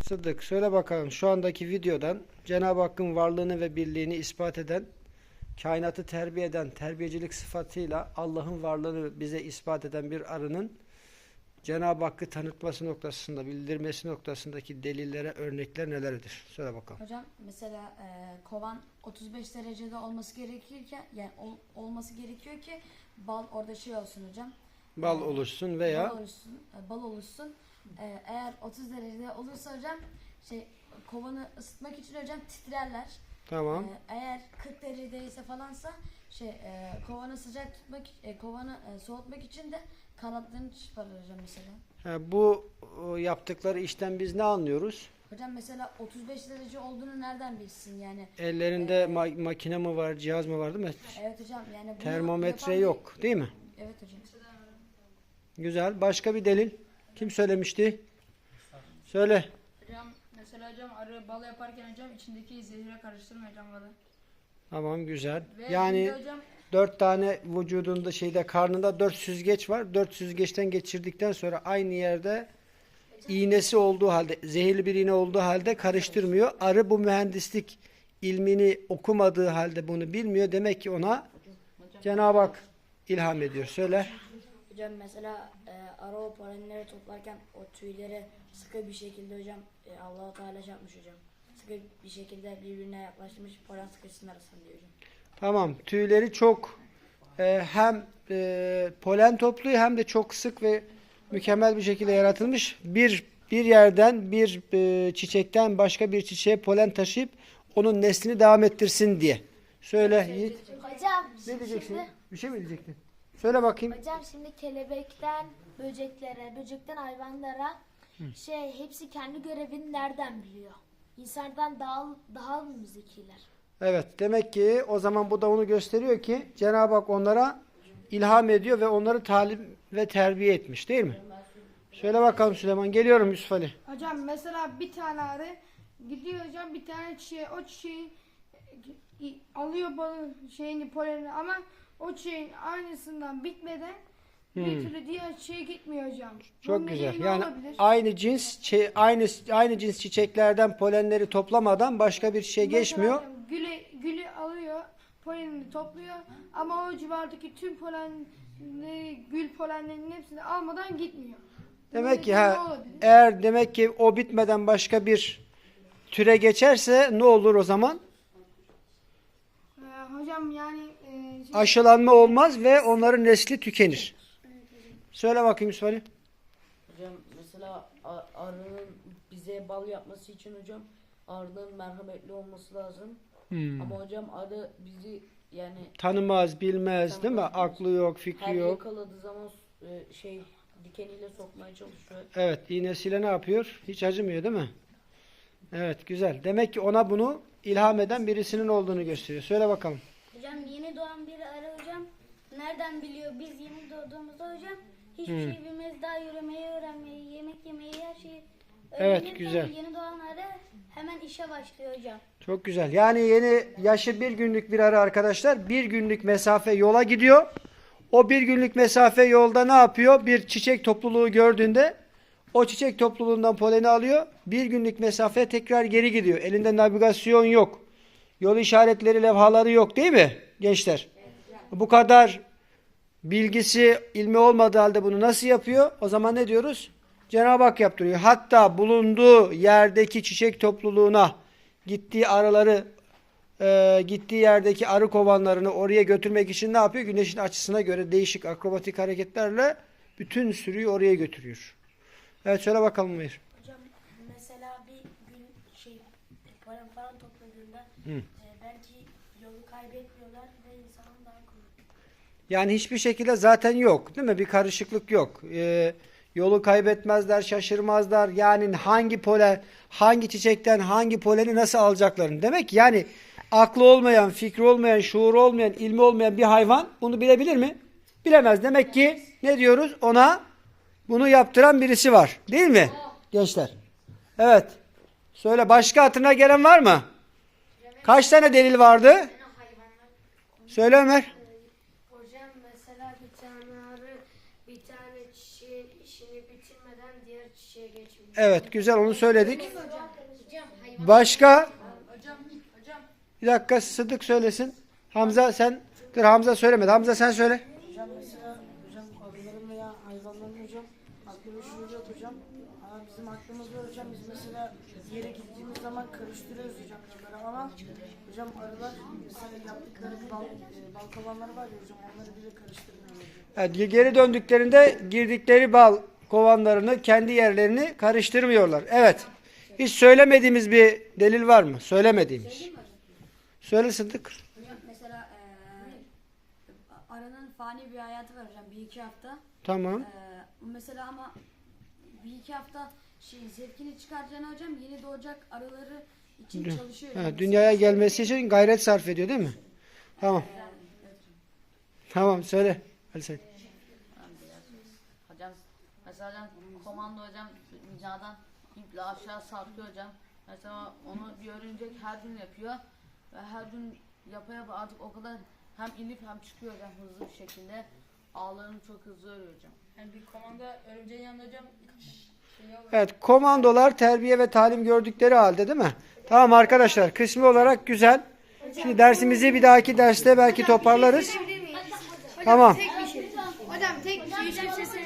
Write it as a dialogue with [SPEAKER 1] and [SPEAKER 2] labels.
[SPEAKER 1] Sıddık, söyle bakalım, şu andaki videodan Cenab-ı Hakk'ın varlığını ve birliğini ispat eden, kainatı terbiye eden, terbiyecilik sıfatıyla Allah'ın varlığını bize ispat eden bir arının Cenab-ı Hakk'ı tanıtması noktasında, bildirmesi noktasındaki delillere, örnekler nelerdir? Söyle bakalım.
[SPEAKER 2] Hocam mesela kovan 35 derecede olması gerekirken, yani olması gerekiyor ki bal orada şey olsun hocam.
[SPEAKER 1] Bal oluşsun veya
[SPEAKER 2] bal oluşsun. Eğer 30 derecede olursa hocam kovanı ısıtmak için hocam titrerler.
[SPEAKER 1] tamam.
[SPEAKER 2] Eğer 40 derecedeyse falansa kovanı sıcak tutmak, kovanı soğutmak için de kanatlarını çıkarır hocam mesela.
[SPEAKER 1] Bu yaptıkları işten biz ne anlıyoruz?
[SPEAKER 2] Hocam mesela 35 derece olduğunu nereden bilsin yani?
[SPEAKER 1] Ellerinde makine mi var, cihaz mı var değil mi?
[SPEAKER 2] Evet hocam yani bunu
[SPEAKER 1] Termometre
[SPEAKER 2] yapan
[SPEAKER 1] yok değil mi?
[SPEAKER 2] Evet hocam.
[SPEAKER 1] Güzel. Başka bir delil? Kim söylemişti? Söyle.
[SPEAKER 3] Hocam mesela hocam arı bal yaparken hocam içindeki zehire karıştırmıyor hocam balı.
[SPEAKER 1] Tamam, güzel.
[SPEAKER 3] Ve
[SPEAKER 1] Yani
[SPEAKER 3] şimdi hocam
[SPEAKER 1] 4 tane vücudunda karnında 4 süzgeç var. 4 süzgeçten geçirdikten sonra aynı yerde iğnesi olduğu halde, zehirli bir iğne olduğu halde karıştırmıyor. Arı bu mühendislik ilmini okumadığı halde bunu bilmiyor. Demek ki ona Cenab-ı Hak ilham ediyor. Söyle.
[SPEAKER 4] Hocam mesela arı o polenleri toplarken o tüyleri sıkı bir şekilde hocam Allah-u Teala şey yapmış hocam. Sıkı bir şekilde birbirine yaklaştırmış, polen sıkışsın arasında diyor hocam.
[SPEAKER 1] Tamam. Tüyleri çok hem polen topluyor hem de çok sık ve mükemmel bir şekilde yaratılmış. Bir yerden bir çiçekten başka bir çiçeğe polen taşıyıp onun neslini devam ettirsin diye. Söyle Yiğit.
[SPEAKER 5] Hocam
[SPEAKER 1] Ne diyeceksin?
[SPEAKER 5] şimdi,
[SPEAKER 1] Bir şey mi diyecektin? Söyle bakayım.
[SPEAKER 5] hocam şimdi kelebekten böceklere, böcekten hayvanlara hepsi kendi görevini nereden biliyor? İnsandan daha mı zekiler?
[SPEAKER 1] Evet. Demek ki o zaman bu da onu gösteriyor ki Cenab-ı Hak onlara ilham ediyor ve onları talim ve terbiye etmiş değil mi? Söyle bakalım Süleyman. Geliyorum Yusuf Ali.
[SPEAKER 6] Hocam mesela bir tane arı gidiyor hocam bir tane çiçeğe, o çiçeği alıyor balın polenini ama o çiçeğin aynısından bitmeden bir türlü diğer çiçeğe gitmiyor hocam.
[SPEAKER 1] Çok
[SPEAKER 6] Bunun
[SPEAKER 1] güzel.
[SPEAKER 6] nedeni ne
[SPEAKER 1] Yani
[SPEAKER 6] olabilir?
[SPEAKER 1] aynı cins çiçeklerden polenleri toplamadan başka bir çiçeğe
[SPEAKER 6] Mesela
[SPEAKER 1] geçmiyor.
[SPEAKER 6] hocam gülü alıyor, polenini topluyor ama o civardaki tüm gül polenlerinin hepsini almadan gitmiyor. Bunun
[SPEAKER 1] Demek ki
[SPEAKER 6] nedeni ne olabilir?
[SPEAKER 1] eğer demek ki o bitmeden başka bir türe geçerse ne olur o zaman?
[SPEAKER 6] Hocam yani
[SPEAKER 1] Aşılanma olmaz ve onların nesli tükenir. Söyle bakayım Yusuf Ali.
[SPEAKER 4] Hocam mesela arının bize bal yapması için hocam arının merhametli olması lazım. Ama hocam arı bizi yani
[SPEAKER 1] Tanımaz, bilmez değil mi? Aklı yok, fikri
[SPEAKER 4] her
[SPEAKER 1] yok.
[SPEAKER 4] yakaladığı zaman dikeniyle sokmaya çalışıyor.
[SPEAKER 1] Evet, iğnesiyle ne yapıyor? Hiç acımıyor değil mi? Evet, güzel. Demek ki ona bunu ilham eden birisinin olduğunu gösteriyor. Söyle bakalım.
[SPEAKER 7] Hocam yeni doğan bir arı hocam nereden biliyor? Biz yeni doğduğumuzda hocam hiçbir şey bilmeyiz. Daha yürümeyi, öğrenmeyi, yemek yemeyi, her şeyi
[SPEAKER 1] Evet,
[SPEAKER 7] öğrenirken
[SPEAKER 1] güzel.
[SPEAKER 7] Yeni doğan arı hemen işe başlıyor hocam.
[SPEAKER 1] Çok güzel. Yani yaşı bir günlük bir arı arkadaşlar. Bir günlük mesafe yola gidiyor. O bir günlük mesafe yolda ne yapıyor? Bir çiçek topluluğu gördüğünde o çiçek topluluğundan poleni alıyor. Bir günlük mesafeye tekrar geri gidiyor. Elinde navigasyon yok. Yol işaretleri, levhaları yok değil mi gençler? Bu kadar bilgisi, ilmi olmadığı halde bunu nasıl yapıyor? O zaman ne diyoruz? Cenab-ı Hak yaptırıyor. Hatta bulunduğu yerdeki çiçek topluluğuna gittiği yerdeki arı kovanlarını oraya götürmek için ne yapıyor? Güneşin açısına göre değişik akrobatik hareketlerle bütün sürüyü oraya götürüyor. Evet, söyle bakalım Mehir.
[SPEAKER 4] Hocam mesela bir gün polen falan topladığında belki yolu kaybetmiyorlar ve insanın daha kolay.
[SPEAKER 1] Yani hiçbir şekilde zaten yok değil mi? Bir karışıklık yok. Yolu kaybetmezler, şaşırmazlar. Yani hangi çiçekten hangi poleni nasıl alacaklarını. Demek ki yani aklı olmayan, fikri olmayan, şuuru olmayan, ilmi olmayan bir hayvan bunu bilebilir mi? Bilemez. Demek ki ne diyoruz? Ona bunu yaptıran birisi var. Değil mi gençler? Evet. Söyle, başka hatırına gelen var mı? Kaç tane delil vardı? Söyle Ömer.
[SPEAKER 5] Hocam mesela bir tane arı bir tane çiçeğin işini bitirmeden diğer çiçeğe geçmiyor.
[SPEAKER 1] Evet, güzel, onu söyledik.
[SPEAKER 6] Hocam
[SPEAKER 1] Başka?
[SPEAKER 3] Hocam
[SPEAKER 1] Bir dakika Sıddık söylesin. Hamza sen dur, Hamza söylemedi. Hamza sen söyle.
[SPEAKER 8] Hocam mesela hocam arıların veya hayvanların hocam aklı ve şuuru yok hocam. Ama bizim aklımız var hocam. Biz mesela bir yere gittiğimiz zaman karıştırıyoruz hocam arıları ama hocam arılar mesela yaptıkları bal kovanları var ya hocam, onları bile karıştırmıyor hocam.
[SPEAKER 1] Evet, geri döndüklerinde girdikleri bal kovanlarını, kendi yerlerini karıştırmıyorlar. Evet. Hiç söylemediğimiz bir delil var mı? Söylemediğimiz. Söyle Sıddık.
[SPEAKER 2] Hocam mesela arının fani bir hayatı var hocam 1-2 hafta.
[SPEAKER 1] Tamam.
[SPEAKER 2] Mesela ama 1-2 hafta zevkini çıkaracağına hocam yeni doğacak arıları için çalışıyor.
[SPEAKER 1] Ha, dünyaya gelmesi için gayret sarf ediyor değil mi? Tamam. Tamam söyle. Ali sen.
[SPEAKER 9] Hocam mesela hocam komando hocam binadan iple aşağı sarkıyor hocam. Mesela onu bir örümcek her gün yapıyor ve her gün yapa yapa artık o kadar hem inip hem çıkıyor hocam hızlı bir şekilde. Ağlarını çok hızlı örüyor hocam.
[SPEAKER 3] yani bir komanda örümceğin yanında hocam şey olur.
[SPEAKER 1] Evet, komandolar terbiye ve talim gördükleri halde değil mi? Tamam arkadaşlar, kısmi olarak güzel. Şimdi dersimizi bir dahaki derste belki toparlarız. Tamam.
[SPEAKER 6] Hocam tek bir şey. Hocam tek bir şey.